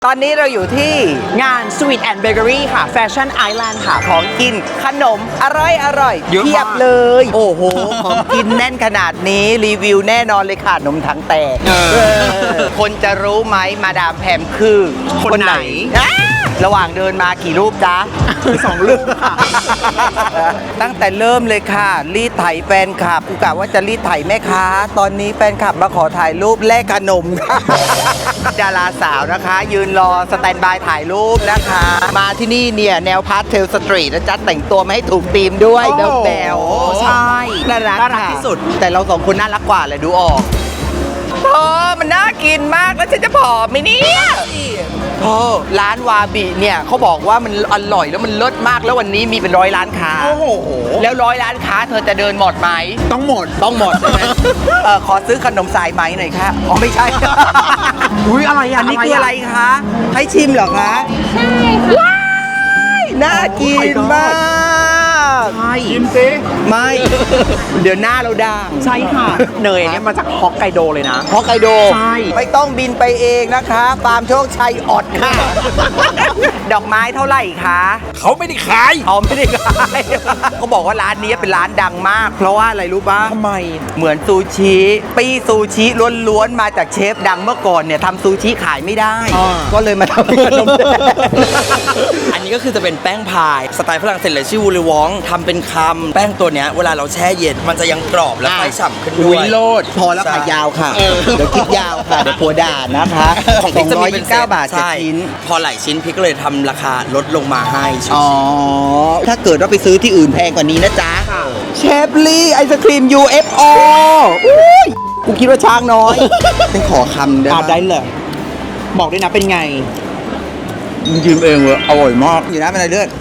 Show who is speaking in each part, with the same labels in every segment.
Speaker 1: ตอนนี้เราอยู่ที่งาน Sweet and Bakery ค่ะ Fashion Island ค่ะ ของกินขนมอร่อย
Speaker 2: เยอะมาก
Speaker 1: เพียบเลย โอ้โห ของกินแน่นขนาดนี้รีวิวแน่นอนเลยค่ะนมถังแตกคนจะรู้ไหมมาดามแพมคือคนไหนระหว่างเดินมากี่รูปจ๊ะ
Speaker 2: 2 รูปค่ะ
Speaker 1: ตั้งแต่เริ่มเลยค่ะ รีดไถแฟนคลับกูกะว่าจะรีดไถแม่ค้าตอนนี้แฟนคลับมาขอถ่ายรูปแลกขนมค่ะ ดาราสาวนะคะ ยืนรอสแตนบายถ่ายรูปนะคะ มาที่นี่เนี่ยแนวพาสเทลสตรีทนะจ๊ะแต่งตัวมาให้ถูกธีมด้วย
Speaker 2: โอ้
Speaker 1: แบว
Speaker 2: ใช่
Speaker 1: น่ารัก
Speaker 2: น่ารัก
Speaker 1: ค่ะ
Speaker 2: ที่สุด
Speaker 1: แต่เราสองคนน่ารักกว่าเลยดูออกมันน่ากินมากแล้วฉันจะผอมไหมเนี่ยร้านวาบิเนี่ยเขาบอกว่ามันอร่อยแล้วมันเลิศมากแล้ววันนี้มีเป็น100 ร้านค้า
Speaker 2: โอ้โห
Speaker 1: แล้ว100 ร้านค้าเธอจะเดินหมดไหม
Speaker 2: ต้องหมด
Speaker 1: ต้องหมดใช่ไหม ขอซื้อขนมสายไหมหน่อยค่ะอ๋อไม่ใช่
Speaker 2: อุ้ยอะไรอ่ะ
Speaker 1: อันนี้คืออะไรคะ ให้ชิมเหรอคะ ใช่ค่ะว้ายน่ากินมาก
Speaker 2: ใช่ชิมสิ
Speaker 1: ไม่ เดี๋ยวหน้าเราด่าง
Speaker 2: ใช่ค่ะ เนยเนี่ยมาจากฮอกไกโดเลยนะ
Speaker 1: ฮอกไกโด
Speaker 2: ใช่
Speaker 1: ไม่ต้องบินไปเองนะคะฟาร์มโชคชัยอดค่ะ ดอกไม้เท่าไหร่คะ
Speaker 3: เขาไม่ได้ขาย
Speaker 1: เขาไม่ได้ขาย เขาบอกว่าร้านนี้เป็นร้านดังมาก เพราะว่าอะไรรู้ปะ
Speaker 2: ทำไม
Speaker 1: เหมือนซูชิปี้ซูชิล้วนๆมาจากเชฟดังเมื่อก่อนเนี่ยทำซูชิขายไม่ได้
Speaker 2: อ่า
Speaker 1: ก็เลยมาทำขนมแดง
Speaker 4: อันนี้ก็คือจะเป็นแป้งพายสไตล์ฝรั่งเศสเลยชื่อวูลิวองทำเป็นคำแป้งตัวเนี้ยเวลาเราแช่เย็นมันจะยังกรอบและไฟฉ่ำขึ้นด้วย
Speaker 1: โลดพอแล้วค่ะยาวค่ะ เดี๋ยวคลิปยาวค่ะ เดี๋ยวผัวด่านะคะ
Speaker 4: ของพริกจะมีเป็นเซต
Speaker 1: 229 บาท
Speaker 4: ใช่
Speaker 1: 7 ชิ้น
Speaker 4: พอหลายชิ้นพริกก็เลยทำราคาลดลงมาให้ชิว
Speaker 1: อ๋อ ถ้าเกิดว่าไปซื้อที่อื่นแพงกว่านี้นะจ๊ะ เชฟลี่ไอศครีม UFO อุ้ยกูคิดว่าช้างน้อยต้องขอคำได้
Speaker 2: อ่ะ
Speaker 1: ไหม
Speaker 2: ได้เลย บอกด้วยนะเป็นไง
Speaker 1: มึงยืมเองเลยอร่อยมากอยู่นะเป็นอะไรเลือด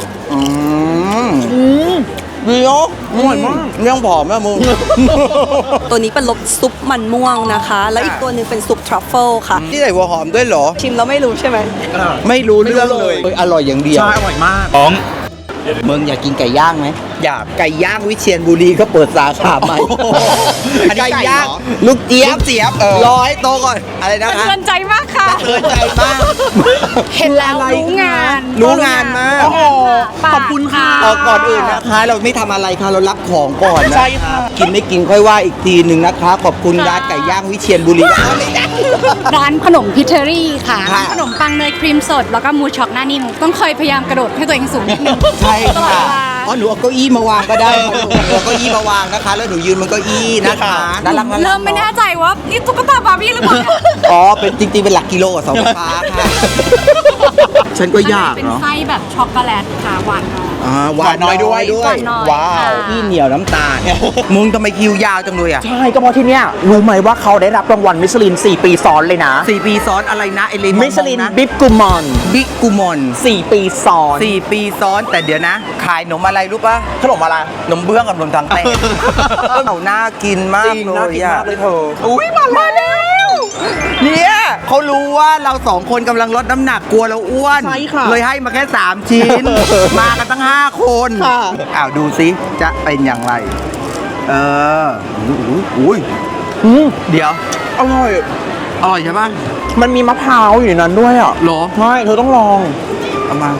Speaker 1: ดีเนาะ
Speaker 2: อร่อยมาก
Speaker 1: เรื่องผอมนะมึง
Speaker 5: ตัวนี้เป็นรสซุปมันม่วงนะคะ แล้วอีกตัวหนึงเป็นซุปทรัฟเฟิลค่ะ
Speaker 1: ที่ใส่หัวหอมด้วยเหรอ
Speaker 5: ชิมแล้วไม่รู้ใช่ไหม
Speaker 1: ไม่รู้เรื่องเลย อร่อยอย่างเดียว
Speaker 2: ใช่ อร่อยมาก
Speaker 3: ของ
Speaker 1: มึงอยากกินไก่ย่างไหม
Speaker 4: อยาก
Speaker 1: ไก่ย่างวิเชียรบุรีเขาเปิดสาขาใหม่
Speaker 2: อันนี้ไก่เหรอ
Speaker 1: ย่างลูกเจี๊ยบ
Speaker 2: ลูกเจี๊ยบ
Speaker 1: รอให้โตก่อน อะไรนะคะ
Speaker 5: เตือนใจมากค่ะ
Speaker 1: เตือนใจมาก
Speaker 5: เห็นแล้วรู้งาน
Speaker 1: รู้งานมาก
Speaker 2: โอ้โห ขอบคุณค่ะ
Speaker 1: ก่อนอื่นนะคะ เราไม่ทำอะไรค่ะเรารับของก่อนนะ
Speaker 2: ใช่ค่ะ
Speaker 1: กินไม่กินค่อยว่าอีกทีหนึ่งนะคะ ขอบคุณร้านไก่ย่างวิเชียรบุรีนะคะไม่ได้
Speaker 6: ร้านขนมพิเทอรี่ค่ะ
Speaker 1: ค่ะ
Speaker 6: ขนมปังเนยครีมสด แล้วก็มูช็อกหน้านิ่มต้องเคยพยายามกระโดดให้ตัวเองสูงนิดนึง
Speaker 1: ใช่
Speaker 6: ตลอด
Speaker 1: ค่ะ
Speaker 6: เวลา
Speaker 1: อ๋อหนูเอาเก้าอี้มาวางก็ได้ค่ะหนูเอาเก้าอี้มาวางนะคะ แล้วหนูยืนบนเก้าอี้นะคะน่ารักน่ารัก
Speaker 6: เริ่มไม่แน่ใจว่านี่ตุ๊กตาบาร์บี้หรือเปล่าเนี่ย
Speaker 1: อ๋อเป็นจริงๆเป็นหลักกิโลกับเสาไฟฟ้าค่ะ ฉันก็อยาก
Speaker 6: เป็น
Speaker 1: เนาะ
Speaker 6: ไส้แบบช็อกโกแลตค่ะหวานน้อย
Speaker 1: หวานน้อยด้วย
Speaker 6: หวานน้อย
Speaker 1: ว้าว
Speaker 6: ค่ะ
Speaker 1: พี่เหนียวน้ำตาล มึงทำไมคิวยาวจังเลยอ่ะ
Speaker 2: ใช่ ก็เพราะที่เนี้ยรู้ไหมว่าเขาได้รับรางวัลมิชลิน 4 ปีซ้อนเลยนะ
Speaker 1: 4 ปีซ้อนอะไรนะไอเลน
Speaker 2: มิชลินบิ๊กกูมอน
Speaker 1: บิ๊กกูมอน
Speaker 2: 4 ปีซ้อน
Speaker 1: 4 ปีซ้อนแต่เดี๋ยวนะ ขายขนมอะไรรู้ปะ
Speaker 2: ขนมอะไร
Speaker 1: ขนมเบื้องกับขนมถังแตก เอาน่ากินมาก
Speaker 2: จริง
Speaker 1: เล
Speaker 2: น่าย กิน
Speaker 1: อ่ะ
Speaker 2: มากเลยเธอ
Speaker 1: อุ้ยมาแล้วเนี่ยเขารู้ว่าเราสองคนกำลังลดน้ำหนักกลัวเราอ้วน
Speaker 2: ใช่ค่ะ
Speaker 1: เลยให้มาแค่ 3 ชิ้น มากันตั้ง 5 คน
Speaker 2: ค่ะ
Speaker 1: อ้าวดูซิจะเป็นอย่างไร เอออุ้ย
Speaker 2: อืม
Speaker 1: เดี๋ยว
Speaker 2: อร่อย
Speaker 1: อร่อยใช่ปะ
Speaker 2: มันมีมะพร้าวอยู่ในนั้นด้วยอ่ะ
Speaker 1: หรอ
Speaker 2: ใช่ เธอต้องลอง
Speaker 1: เอามา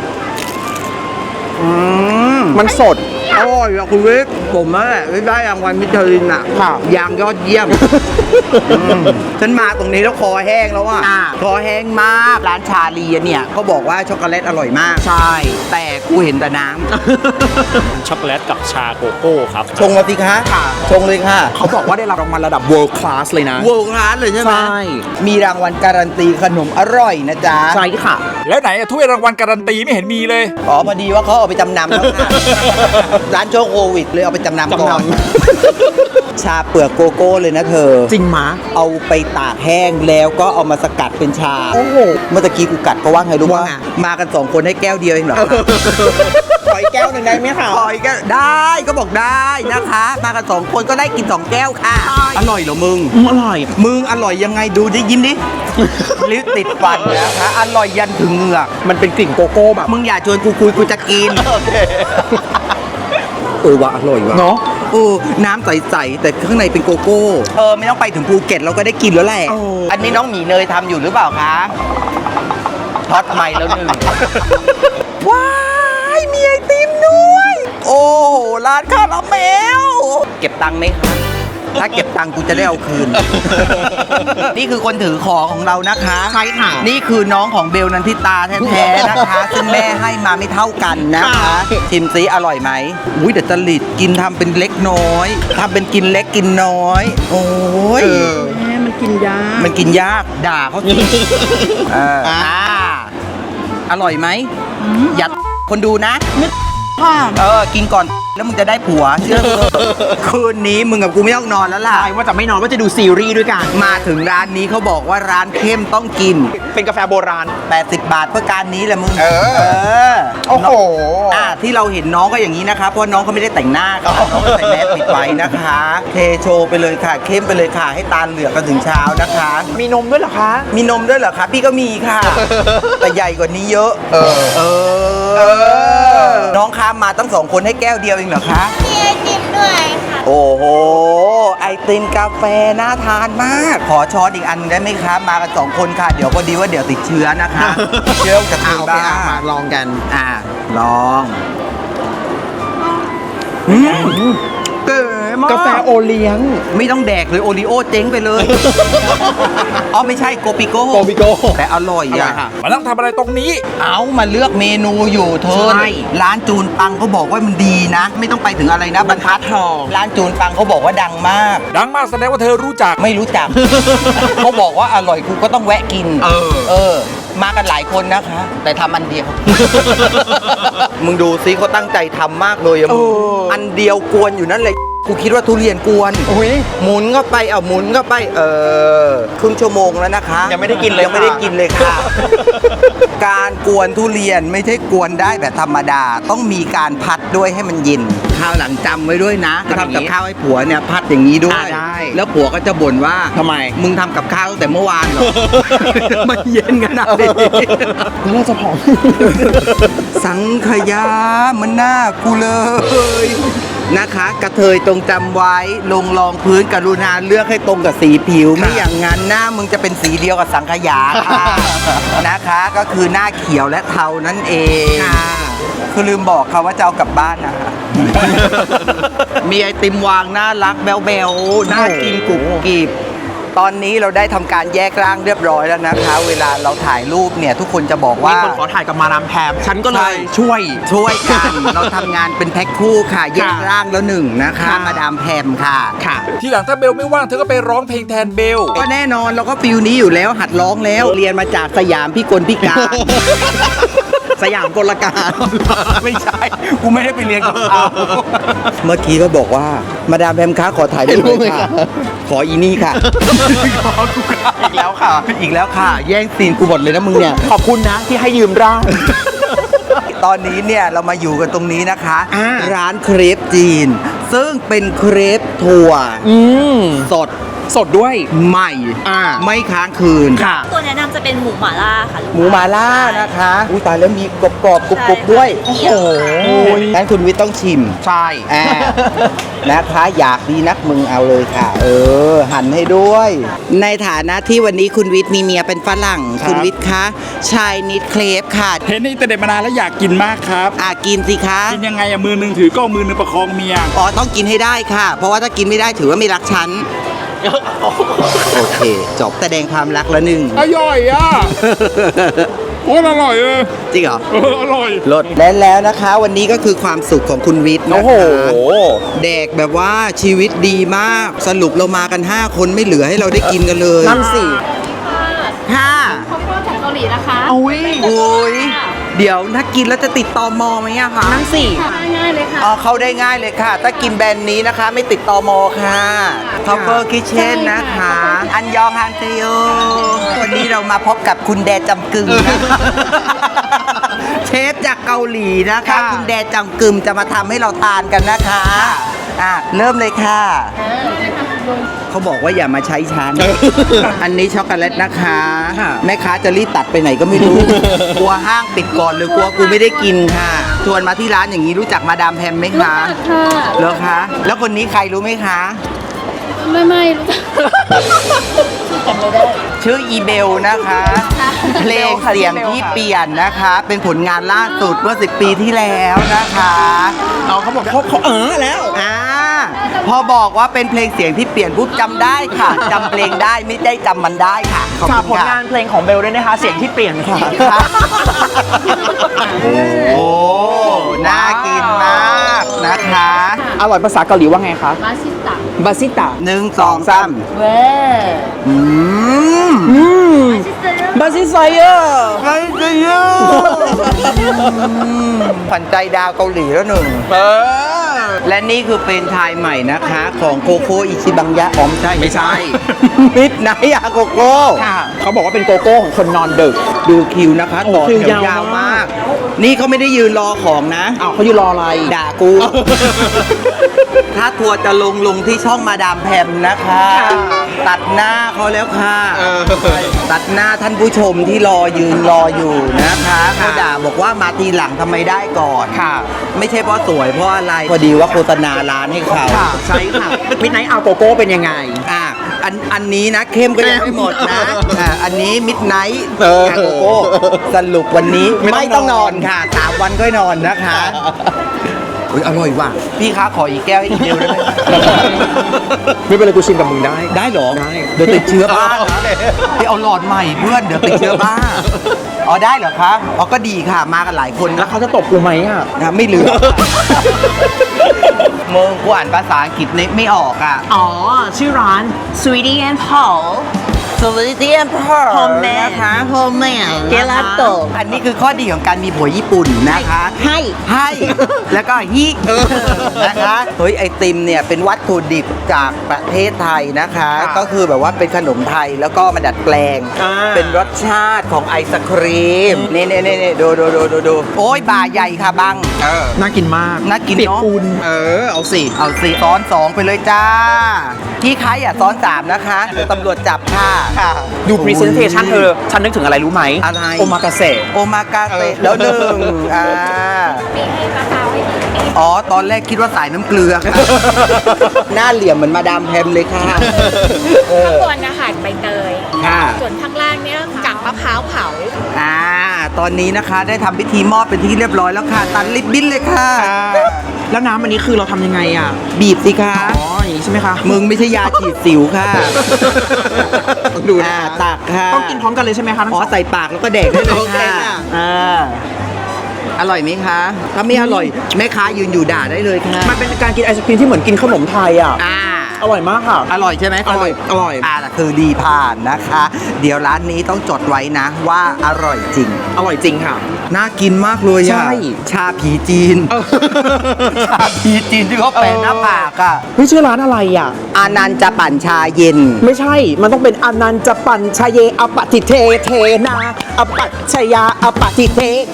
Speaker 2: มันสด
Speaker 1: อร่อยอ่ะคุณวิทย์ผมนั่นแหละที่ได้รางวัลมิชลินอ่ะ
Speaker 2: ค่ะ
Speaker 1: ยางยอดเยี่ยม ฉันมาตรงนี้แล้วคอแห้งแล้วอ่ะ
Speaker 2: อ่า
Speaker 1: คอแห้งมากร้านชาลีเนี่ยเขาบอกว่าช็อกโกแลตอร่อยมาก
Speaker 2: ใช่
Speaker 1: แต่กูเห็นแต่น้
Speaker 3: ช็อกโกแลตกับชาโกโก้ครับ
Speaker 1: ำ ชงมาสิคะชงเลยค่ะ
Speaker 2: เขาบอกว่าได้รับรางวัลระดับ world class เลยนะ
Speaker 1: เวิร์คลาสเลยใช่ไหม
Speaker 2: ใช่
Speaker 1: มีรางวัลการันตีขนมอร่อยนะจ๊ะ
Speaker 2: ใช่ค่ะ
Speaker 3: แล้วไหนอะถ้วยรางวัลการันตีไม่เห็นมีเลย
Speaker 1: อ๋อพอดีว่าเขาเอาไปจำนำแล้วค่ะ ร้านโชคโควิดเลยเอาไปจำนำก่อน
Speaker 2: จำ
Speaker 1: ชาเปลือกโกโก้เลยนะเธอ
Speaker 2: จริงมะ
Speaker 1: เอาไปตากแห้งแล้วก็เอามาสกัดเป็นชา
Speaker 2: โอ้โห
Speaker 1: เมื่อตะกี้กูกัดเขาว่าไงรู้
Speaker 2: ว่า
Speaker 1: ป่ะมากัน 2 คนให้แก้วเดียวเองเหรอ
Speaker 2: ขออีกแก้วหนึ่งได้ไหมคะ
Speaker 1: ขออีกแก้วได้ก็บอกได้นะคะ มากัน 2 คนก็ได้กิน 2 แก้วค่ะ อร่อยเหรอมึง
Speaker 2: อร่อย
Speaker 1: มึงอร่อยยังไงดูดิยิ้มดิ ลิ้นติดฟันนะคะ อร่อยยันถึงเหงือก
Speaker 2: มันเป็นกลิ่นโกโก้แบบ
Speaker 1: มึงอย่าชวนกูคุยกูจะกิน ว่ะอร่อยว่ะ
Speaker 2: เนาะ
Speaker 1: น้ำใสๆแต่ข้างในเป็นโกโก้ไม่ต้องไปถึงภูเก็ตเราก็ได้กินแล้วแหละ อันนี้น้องหมีเนยทำอยู่หรือเปล่าคะช็อตใหม่แล้วหนึ่งว้ายมีไอติมด้วย โอ้โหร้านคาราเมลเก็บตังค์ไหมคะถ้าเก็บตังค์กูจะได้เอาคืน นี่คือคนถือของของเรานะคะใช่ค่ะนี่คือน้องของเบลนันทิตาแท้ๆนะคะ ซึ่งแม่ให้มาไม่เท่ากันนะคะชิมซิอร่อยไหมอุ้ยเดี๋ยวจะหลิดกินทำเป็นเล็กน้อยทำเป็นกินเล็กกินน้อย โอ้ยมันกินยากด่าเขาสิอร่อยไหมอย่าคนดูนะกินก่อนแล้วมึงจะได้ผัวเชื่อกูคืนนี้มึงกับกูไม่ต้องนอนแล้วล่ะ
Speaker 2: ใช่ว่าจะไม่นอนว่าจะดูซีรีส์ด้วยกัน
Speaker 1: มาถึงร้านนี้เขาบอกว่าร้านเข้มต้องกิน
Speaker 2: เป็นกาแฟโบราณ
Speaker 1: 80 บาทเพื่อการนี้แหละมึง
Speaker 2: โอ้โห
Speaker 1: ที่เราเห็นน้องก็อย่างนี้นะคะเพราะน้องเขาไม่ได้แต่งหน้าค่ะน้องก็ใส่แมสปิดไว้นะคะเทโชว์ไปเลยค่ะเข้มไปเลยค่ะให้ตาเหลือกกันถึงเช้านะคะ
Speaker 2: มีนมด้วยเหรอคะ
Speaker 1: มีนมด้วยเหรอคะพี่ก็มีค่ะ แต่ใหญ่กว่านี้เยอะน้องค้ามาตั้ง2 คนให้แก้วเดียวเองเหรอคะ
Speaker 7: มีไอติมด้วยค่ะ
Speaker 1: โอ้โหไอติมกาแฟน่าทานมาก ขอช้อนอีกอันได้ไหมคะมากัน2 คนค่ะเดี๋ยวพอดีว่าเดี๋ยวติดเชื้อนะคะ เชื้อจะติดบ้า
Speaker 2: มาลองกัน
Speaker 1: ลองเก๋มาก
Speaker 2: กาแฟโอเลี้ยง
Speaker 1: ไม่ต้องแดกเลยโอริโอเจ๊งไปเลย อ๋อไม่ใช่โกปิโก้
Speaker 2: โกปิโก้
Speaker 1: แต่อร่อยอ่ะ
Speaker 3: มานั่งทำอะไรตรงนี้
Speaker 1: เอามาเลือกเมนูอยู่เธอ
Speaker 2: ใช่
Speaker 1: ร้านจูนปังเขาบอกว่ามันดีนะ ไม่ต้องไปถึงอะไรนะบรรทัดทองร้านจูนปังเขาบอกว่าดังมาก
Speaker 3: ดังมากแสดงว่าเธอรู้จัก
Speaker 1: ไม่รู้จัก เขาบอกว่าอร่อยกูก็ต้องแวะกิน มากันหลายคนนะคะ แต่ทำอันเดียว มึงดูซิเขาตั้งใจทำมากเลยอะมึงอันเดียวกวนอยู่นั่นเลยกูคิดว่าทุเรียนกวนหมุนเข้าไปหมุนเข้าไปครึ่งชั่วโมงแล้วนะคะ
Speaker 2: ยังไม่ได้กินเลย
Speaker 1: ยังไม่ได้กินเลยค่ะ การกวนทุเรียนไม่ใช่กวนได้แบบธรรมดา ต้องมีการพัดด้วยให้มันเย็นข้าวหลังจำไว้ด้วยนะทำกับข้าวให้ผัวเนี่ยพัดอย่างนี้ด้วย
Speaker 2: ได้
Speaker 1: แล้วผัวก็จะบ่นว่า
Speaker 2: ทำไม
Speaker 1: มึงทำกับข้าวตั้งแต่เมื่อวานเหรอ มันเย็นขนาดนี้
Speaker 2: แล้วเราจะผอม
Speaker 1: สังขยามันหน้ากูเลยนะคะ กระเทยตรงจำไว้ลงรองพื้นกรุณาเลือกให้ตรงกับสีผิว ไม่อย่างนั้นหน้ามึงจะเป็นสีเดียวกับสังขยาค่ะ นะคะก็คือหน้าเขียวและเทานั่นเองคือลืมบอกค่ะว่าจะเอากลับบ้านนะคะ มีไอติมวางน่ารักแบวๆน่ากินกรุบกริบตอนนี้เราได้ทำการแยกร่างเรียบร้อยแล้วนะคะ เวลาเราถ่ายรูปเนี่ยทุกคนจะบอก
Speaker 2: มี
Speaker 1: ว่า
Speaker 2: คนขอถ่ายกับมาดามแพมฉันก็เล
Speaker 1: ใช่
Speaker 2: ยช่วย
Speaker 1: กัน เราทำงานเป็นแพ็คคู่ค่ะ แยกร่างแล้วหนึ่งนะคะ
Speaker 2: ค่ะ
Speaker 1: มาดามแพมค่ะ
Speaker 2: ค่ะ
Speaker 3: ทีหลังถ้าเบลไม่ว่างเธอก็ไปร้องเพลงแทนเบล
Speaker 1: ก็แน่นอนเราก็ฟิลนี้อยู่แล้วหัดร้องแล้ว เรียนมาจากสยามพี่กลพิการ
Speaker 2: สยามกลการ
Speaker 1: ไม่ใช่ กูไม่ได้ไปเรียนกับเขาเมื่อกี้ก็บอกว่ามาดามแพมค้าขอถ่ายรูปเลยค่ะ ขออีนี่ค่ะ
Speaker 2: อีกแล้วค่ะ
Speaker 1: อีกแล้วค่ะ แย่งซีนกูหมดเลยนะมึงเนี่ย
Speaker 2: ขอบคุณนะที่ให้ยืมร่าง
Speaker 1: ตอนนี้เนี่ยเรามาอยู่กันตรงนี้นะคะ
Speaker 2: อ่า
Speaker 1: ร้านเครปจีน ซึ่งเป็นเครปถั่วสด
Speaker 2: สดด้วย
Speaker 1: ใหม่ ไม่ค้างคืน
Speaker 2: ค่ะ
Speaker 5: ตัวแนะนำจะเป็นหมูหม่าล่าค่ะ
Speaker 1: หมูหมาล่านะคะอุ้ยตายแล้วมีกรอบๆกรุบๆด้วย
Speaker 5: โอ้โห
Speaker 1: งั้นคุณวิทย์ต้องชิม
Speaker 2: ใช่
Speaker 1: นะคะอยากดีนักมึงเอาเลยค่ะ หั่นให้ด้วย ในฐานะที่วันนี้คุณวิทย์มีเมียเป็นฝรั่ง
Speaker 3: ครับ
Speaker 1: คุณวิทย์คะชายนิดเครปค่ะ
Speaker 3: เห็นในอินเทอร์เน็ตมานานแล้วอยากกินมากครับ
Speaker 1: กินสิคะ
Speaker 3: กินยังไงอะมือหนึงถือก็มือหนึงประคองเมีย
Speaker 1: อ๋อต้องกินให้ได้ค่ะ เพราะว่าถ้ากินไม่ได้ถือว่าไม่รักฉัน โอเค จบแสดงความรักแล้วหนึ่ง
Speaker 3: อร่อยอ่ะ โคตรอร่อยเลย
Speaker 1: จริงเหรอ
Speaker 3: อร่อย
Speaker 1: ลดแล้วนะคะ วันนี้ก็คือความสุขของคุณวิทย์นะคะแดกแบบว่าชีวิตดีมาก สรุปเรามากัน 5 คนไม่เหลือให้เราได้กินกันเลย
Speaker 2: นั่นสิ
Speaker 1: ค่ะ
Speaker 6: ข้าวโพดของเกาหลีนะคะ
Speaker 2: โอ้ย
Speaker 1: โอ้ยเดี๋ยวถ้ากินแล้วจะติดตอมอไหมอะคะ
Speaker 2: นั่นสิ
Speaker 6: ง่ายๆเลยค่ะ
Speaker 1: อ๋อเข้าได้ง่ายเลยค่ะ ถ้ากินแบรนด์นี้นะคะ ไม่ติดตอมอค่ะ Cover Kitchen นะคะ อันยองฮันเตโยวันนี้เรามาพบกับคุณแดจำกึมนะคะเชฟจากเกาหลีนะคะ
Speaker 2: ค่ะ
Speaker 1: คุณแดจำกึมจะมาทำให้เราทานกันนะคะเริ่มเลยค่ะ เขาบอกว่าอย่ามาใช้ฉัน อันนี้ช็อกโกแลตนะคะ แม่ค้าจะรีบตัดไปไหนก็ไม่รู้ กลัวห้างปิดก่อนหรือกลัวกูไม่ได้กินค่ะชวนมาที่ร้านอย่างนี้รู้จักมาดามแพมไหมคะ
Speaker 6: ค่ะ
Speaker 1: เหรอคะ แล้วคนนี้ใครรู้ไหมคะ
Speaker 6: ไม่รู้จัก
Speaker 1: ชื่ออีเบลนะคะ เพลงเสียงที่เปลี่ยนนะคะ เป็นผลงานล่าสุดเมื่อ10 ปีที่แล้วนะคะ
Speaker 2: เขาบอกเขาแล้ว
Speaker 1: พอบอกว่าเป็นเพลงเสียงที่เปลี่ยนปุ๊บจำได้ค่ะจำเพลงได้ไม่ได้จำมันได้ค่ะขอบ
Speaker 2: ฝาก
Speaker 1: คุ
Speaker 2: ผ
Speaker 1: ณ
Speaker 2: ล
Speaker 1: ค่ะ
Speaker 2: งานเพลงของเบลด้วยนะคะ เสียงที่เปลี่ยนค่ะ
Speaker 1: โอ้น่ากินมากนะคะ
Speaker 2: อร่อยภาษาเกาหลีว่าไงคะ
Speaker 6: มาซิตะ
Speaker 2: บาซิตะ
Speaker 1: 1 2 3
Speaker 6: เว้
Speaker 1: อืม
Speaker 2: บาซิไซเออร์
Speaker 1: ใครจะเยอะขวัญใจดาวเกาหลีแล้วหนึ่ง และนี่คือเป็นไทยใหม่นะคะ ของโคโค่อิชิบังยะอ๋อไม่ใช่ มิดไนท์อาโกโก้
Speaker 2: เขาบอกว่าเป็นโกโก้ของคนนอนดึก
Speaker 1: ดูคิวนะคะต่อ
Speaker 2: คิว
Speaker 1: แถวย
Speaker 2: าว
Speaker 1: ยาว
Speaker 2: มาม
Speaker 1: าก ก นี่เขาไม่ได้ยืนรอของนะ
Speaker 2: อ้าวเขาอยู่รออะไร
Speaker 1: ด่ากู ถ้าทัวร์จะลงที่ช่องมาดามแพมนะคะ ตัดหน้าเขาแล้วค่ะ ตัดหน้าท่านผู้ชมที่ยืนรออยู่นะคะเขาด่าบอกว่ามาทีหลังทำไมได้ก่อน
Speaker 2: ค่ะ
Speaker 1: ไม่ใช่เพราะสวยเพราะอะไร พอดีว่าโฆษณาร้านให้เขา
Speaker 2: ค่ะใช่ค่ะมิดไนท์อาโกโก้เป็นยังไง
Speaker 1: อันนี้นะเข้มก็ยังไม่หมดนะอันนี้มิดไนท์อาโกโก้สรุปวันนี้
Speaker 2: ไม่ต้องนอน
Speaker 1: ค่ะ3 วันก็นอนนะคะอุ๊ยอร่อยว่ะพี่คะขออีกแก้วให้อีกเดียวได้ไหม
Speaker 2: ไม่เป็นไรกูชิมกับมึงได้
Speaker 1: ได้เหรอ
Speaker 2: ได้
Speaker 1: เดี๋ยวติดเชื้อบ้าพี่เอาหลอดใหม่เพื่อนเดี๋ยวติดเชื้อบ้าอ๋อได้เหรอคะอ๋อก็ดีค่ะมากันหลายคน
Speaker 2: แล้
Speaker 1: นะ
Speaker 2: วเขาจะตบกูไหมอ่ะ
Speaker 1: นะไม่เหลือมึงกูอ่านภาษาอังกฤษไม่ออกอ่ะ
Speaker 2: อ๋อ ชื่อร้าน Sweetie and Paul
Speaker 1: สวัสดีพ่อ
Speaker 2: Homemade
Speaker 1: นะคะ Homemade
Speaker 2: เกลาโต
Speaker 1: อันนี้คือข้อดีของการมีผัวญี่ปุ่นนะคะ ให้ แล้วก็ฮินะคะเฮ้ยไอติมเนี่ยเป็นวัตถุดิบจากประเทศไทยนะคะ ก็คือแบบว่าเป็นขนมไทยแล้วก็มาดัดแปลง เป็นรสชาติของไอศครีมนี่ดูโอ้ยบ่าใหญ่ค่ะบัง
Speaker 2: น่ากินมาก
Speaker 1: น่ากิน
Speaker 2: เปียก
Speaker 1: เนาะ
Speaker 2: ปูนเอาสิ
Speaker 1: เอาสิซ้อน 2 ไปเลยจ้าที่ใครอ่ะซ้อน 3 นะคะเดี๋ยวตำรวจจับค่ะ
Speaker 2: ดู presentation เธอ ฉันนึกถึงอะไรรู้ไหม
Speaker 1: อะไร
Speaker 2: โอมากาเสะ
Speaker 1: โอมากาเสะแล้วหนึ่งอ๋อ ตอนแรกคิดว่าสายน้ำเกลือค่ะ หน้าเหลี่ยมเหมือนมาดามแพมเลยค่ะ
Speaker 7: ข้างบนนะคะใบเตย
Speaker 1: ค่ะ
Speaker 7: ส่วนข้างล่างเนี่ยกากมะพร้าวเผา
Speaker 1: ตอนนี้นะคะได้ทำพิธีมอบเป็นที่เรียบร้อยแล้วค่ะ ตัดลิบบิ้นเลยค่ะ
Speaker 2: แล้วน้ำอันนี้คือเราทำยังไงอ่ะ
Speaker 1: บีบสิคะ
Speaker 2: อ๋อ อย่างนี้ใช่ไหมคะ
Speaker 1: มึงไม่ใช่ยาฉีดสิวค่ะ
Speaker 2: ต้องดูนะคะ
Speaker 1: ตักค่ะ
Speaker 2: ต้องกินพร้อมกันเลยใช่ไหมคะทั้ง
Speaker 1: อ๋อ
Speaker 2: สอง
Speaker 1: ใส่ปากแล้วก็เด็กได้เลย
Speaker 2: โอเค
Speaker 1: ค่ะ
Speaker 2: ค่ะ
Speaker 1: อร่อยไหมคะ ถ้าไม่อร่อยแม่ค้ายืนอยู่ด่าได้เลยค่ะ
Speaker 2: มันเป็นการกินไอศครีมที่เหมือนกินขนมไทยอ่ะ อร่อยมากค่ะ
Speaker 1: อร่อยใช่ไหม
Speaker 2: อร่อย
Speaker 1: แต่คือดีผ่านนะคะ เดี๋ยวร้านนี้ต้องจดไว้นะว่าอร่อยจริง
Speaker 2: อร่อยจริงค่ะ
Speaker 1: น่ากินมากเลย
Speaker 2: ใช่
Speaker 1: ชาผีจีน ชาผีจีนที่เขาแปะหน้าปากอ่ะ
Speaker 2: เฮ้ยชื่อร้านอะไรอ่ะ
Speaker 1: อานันต์จะปั่นชาเย็น
Speaker 2: ไม่ใช่ มันต้องเป็นอนันต์จะปั่นชายเยอปฏิเทเทนาอปัตชยาอปฏิเทเท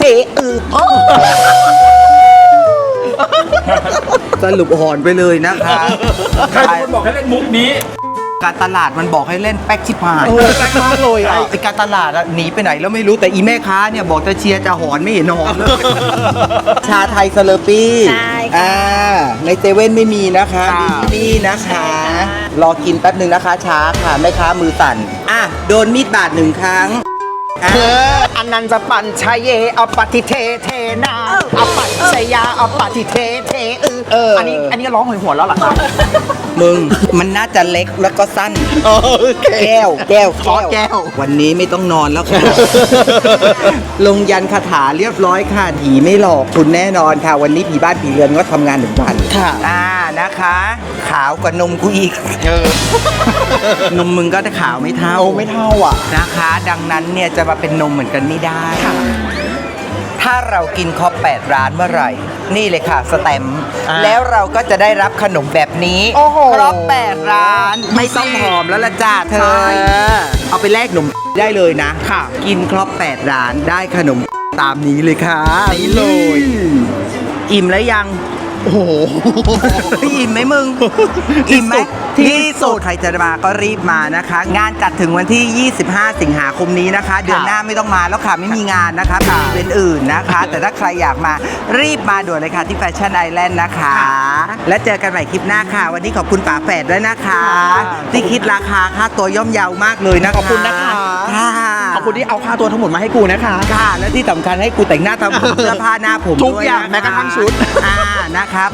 Speaker 1: สรุปหอนไปเลยนะคะ
Speaker 3: ใครเป็นคนบอกให้เล่นมุกนี้
Speaker 1: การตลาดมันบอกให้เล่นแป๊กชิบหาย
Speaker 2: แป๊กมากเลยอ่ะ
Speaker 1: ไอการตลาดอะหนีไปไหนแล้วไม่รู้แต่อีแม่ค้าเนี่ยบอกจะเชียร์จะหอนไม่เห็นหอนเลย ชาไทยสเลอปี้
Speaker 7: ใช่ค่ะ
Speaker 1: ในเซเว่นไม่มีนะคะมีที่นี่นะคะ รอกินแป๊บหนึ่งนะคะช้าค่ะแม่ค้ามือสั่นโดนมีดบาด1 ครั้ง
Speaker 2: อนันต์จะปั่นชายเยอปฏิเทเทนาอปัตชยาอปฏิเทเทอันนี้ร้องหวยหัวนแล้วเหรอคะ
Speaker 1: มึงมันน่าจะเล็กแล้วก็สั้นแก้ววันนี้ไม่ต้องนอนแล้วค่ะ ลงยันคาถาเรียบร้อยค่ะผีไม่หลอกคุณแน่นอนค่ะ วันนี้ผีบ้านผีเรือนก็ทำงาน1 วันค่ะนะคะ ขาวกว่านมกูอีกนมมึงก็จะขาวไม่เท่า
Speaker 2: โอ้ไม่เท่าอ่ะ
Speaker 1: นะคะ ดังนั้นเนี่ยจะมาเป็นนมเหมือนกันไม่ได้ ถ้าเรากินครบ8 ร้านเมื่อไหร่ นี่เลยค่ะสแตมป์แล้วเราก็จะได้รับขนมแบบนี้
Speaker 2: โอ้โห
Speaker 1: ครบ8 ร้าน ไม่ต้องหอมแล้วละจ้าเธอ
Speaker 2: ใช่
Speaker 1: เอาไปแลกขนมได้เลยนะ
Speaker 2: ค่ะ
Speaker 1: กินครบ8 ร้านได้ขนมตามนี้เลยค่ะ
Speaker 2: นี่เลย
Speaker 1: อิ่มแล้วยัง
Speaker 2: โอ้โห
Speaker 1: อิ่มไหมมึง อิ่มไหม
Speaker 2: ที่สุด
Speaker 1: ใครจะมาก็รีบมานะคะ งานจัดถึงวันที่ 25 สิงหาคมนี้นะคะ เดือนหน้าไม่ต้องมาแล้วค่ะไม่มีงานนะคะเป็นอีเวนต์อื่นนะคะ แต่ถ้าใครอยากมารีบมาด่วนเลยค่ะที่แฟชั่นไอแลนด์นะคะ และเจอกันใหม่คลิปหน้าค่ะ วันนี้ขอบคุณป๋าแฝดด้วยนะคะ ที่คิดราคาค่าตัวย่อมเยาวมากเลยนะคะ
Speaker 2: ขอบคุณนะคะ
Speaker 1: ค่ะ
Speaker 2: ขอบคุณที่เอาค่าตัวทั้งหมดมาให้กูนะคะ
Speaker 1: ค่ะและที่สำคัญให้กูแต่งหน้าทำผมเสื้อผ้าหน้าผม
Speaker 2: ทุกอย่าง
Speaker 1: ด้วยนะคะ
Speaker 2: แม้กระทั่งชุด
Speaker 1: นะครับ